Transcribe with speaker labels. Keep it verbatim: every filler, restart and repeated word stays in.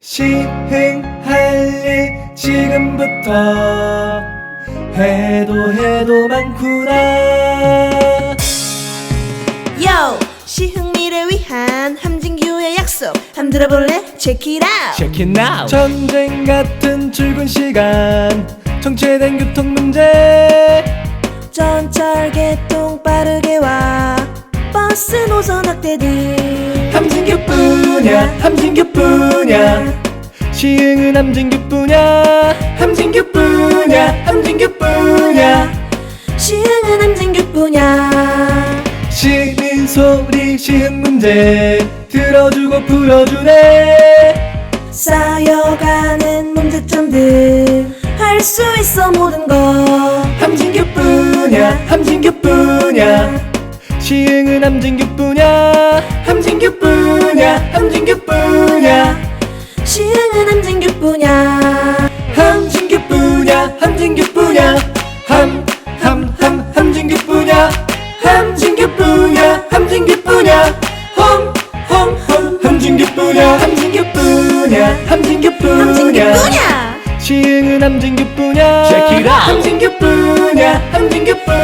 Speaker 1: 시흥할 일 지금부터 해도 해도 많구나.
Speaker 2: Yo! 시흥미를 위한 함진규의 약속 함 들어볼래? Check it out!
Speaker 1: Check it now. 전쟁 같은 출근 시간, 정체된 교통 문제,
Speaker 2: 전철 개통 빠르게 와 버스 노선 확대 등
Speaker 1: 함진규뿐이야 함진규뿐이야. 시흥은 함진규뿐이야 함진규뿐이야 함진규뿐이야.
Speaker 2: 시흥은 함진규뿐이야.
Speaker 1: 시민 소리 시흥 문제 들어주고 풀어주네.
Speaker 2: 쌓여가는 문제점들 할 수 있어 모든 거
Speaker 1: 함진규뿐이야 함진규뿐이야. 시흥은 함진규뿐이야 함진규뿐이야 함진규뿐이야.
Speaker 2: 시흥은 함진규뿐이야.
Speaker 1: 함진규뿐이야 함진규뿐이야. 함함함 함진규뿐이야 함진규뿐이야 함진규뿐이야. 홈홈홈 함진규뿐이야 함진규뿐이야 함진규뿐이야.
Speaker 2: 함진규뿐이야.
Speaker 1: 시흥은 함진규뿐이야
Speaker 3: Check it out.
Speaker 1: 함진규뿐이야 함진규뿐이야.